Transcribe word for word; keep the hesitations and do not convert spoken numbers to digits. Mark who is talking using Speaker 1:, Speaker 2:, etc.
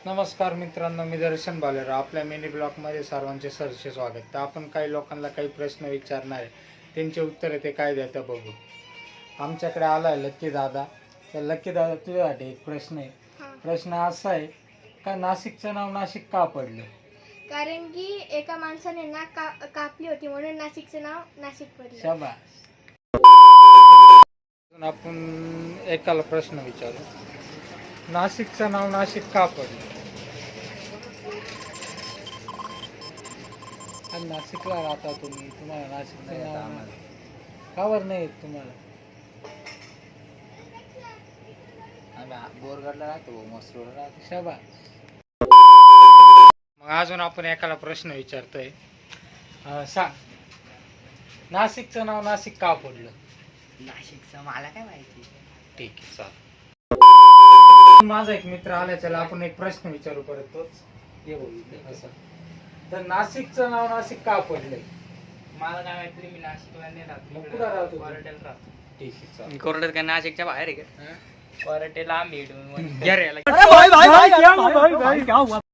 Speaker 1: नमस्कार मित्रांनो, मी दर्शन बालेराव. आपल्या मिनी ब्लॉगमध्ये सर्वांचे सरसे स्वागत. तर आपण काही लोकांना काही प्रश्न विचारणार आहे, त्यांचे उत्तर ते काय देतात बघू. आमच्याकडे आला आहे लक्की दादा. तर लक्की दादा, तुझ्यासाठी एक प्रश्न आहे. प्रश्न असा आहे का, नाशिकचं नाव नाशिक का पडलं?
Speaker 2: कारण की एका माणसाने नाक का, कापली होती म्हणून नाशिकचं नाव नाशिक पडलं.
Speaker 1: शाबास. आपण एकाला प्रश्न विचारू, नाशिकचं नाव नाशिक का पडलं? आणि नाशिकला राहता तुम्ही, तुम्हाला नाशिकचं नाव का बरं नाही येत तुम्हाला?
Speaker 3: आम्ही बोरगडला राहतो, मसरूरला राहतो.
Speaker 1: शाबास. मग अजून आपण एकाला प्रश्न विचारतोय. अं, सांग, नाशिकचं नाव नाशिक का पडलं?
Speaker 3: नाशिकचं मला काय माहिती.
Speaker 1: ठीक आहे, चालेल. माझा एक मित्र आला, त्याला आपण एक प्रश्न विचारू परत तोच. ये बोल असं. तर नाशिकचं नाव नाशिक का पडलंय?
Speaker 3: मला काय माहिती, मी नाशिकला नाही राहत.
Speaker 1: मग कुठं राहतो?
Speaker 3: कोरटेला राहतो.
Speaker 1: ठीक आहे, चालेल.
Speaker 3: कोरटेल काय नाशिकच्या बाहेर आहे का? कोरटेला आम्ही
Speaker 1: घ्या रे याला.